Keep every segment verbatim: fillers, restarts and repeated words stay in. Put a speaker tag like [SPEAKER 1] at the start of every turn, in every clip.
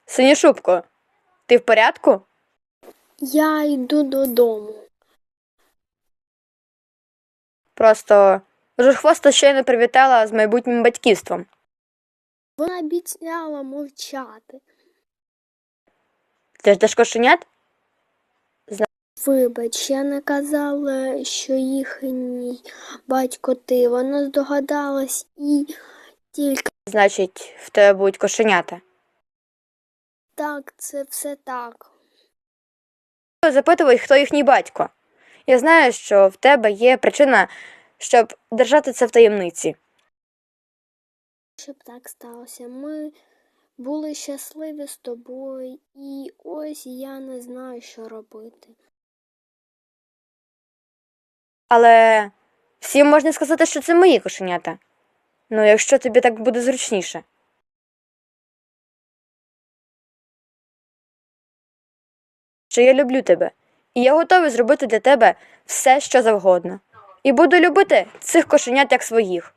[SPEAKER 1] Синішубко, ти в порядку?
[SPEAKER 2] Я йду додому.
[SPEAKER 1] Просто Ружхвоста щойно привітала з майбутнім батьківством.
[SPEAKER 2] Вона обіцяла мовчати.
[SPEAKER 1] Ти ждеш кошенят?
[SPEAKER 2] Вибач, я не казала, що їхній батько ти. Вона здогадалась і тільки
[SPEAKER 1] Значить, в тебе будуть кошенята.
[SPEAKER 2] так, це все так.
[SPEAKER 1] Запитувай, хто їхній батько. Я знаю, що в тебе є причина, щоб держати це в таємниці.
[SPEAKER 2] Щоб так сталося. Ми були щасливі з тобою, і ось я не знаю, що робити.
[SPEAKER 1] Але всім можна сказати, що це мої кошенята. Ну, якщо тобі так буде зручніше. Що я люблю тебе, і я готовий зробити для тебе все, що завгодно. І буду любити цих кошенят як своїх.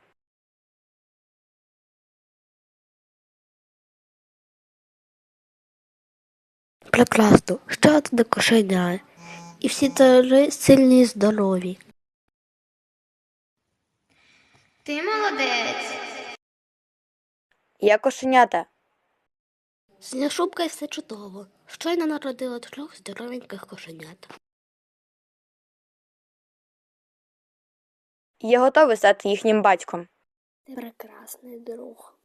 [SPEAKER 3] Прекрасно, ще одне кошеня. І всі три сильні і здорові.
[SPEAKER 4] Ти молодець.
[SPEAKER 1] Я кошенята.
[SPEAKER 3] Синяшубка і все чудово. Щойно народила трьох здоровеньких кошенят.
[SPEAKER 1] І я готовий стати їхнім батьком.
[SPEAKER 2] Ти прекрасний друг.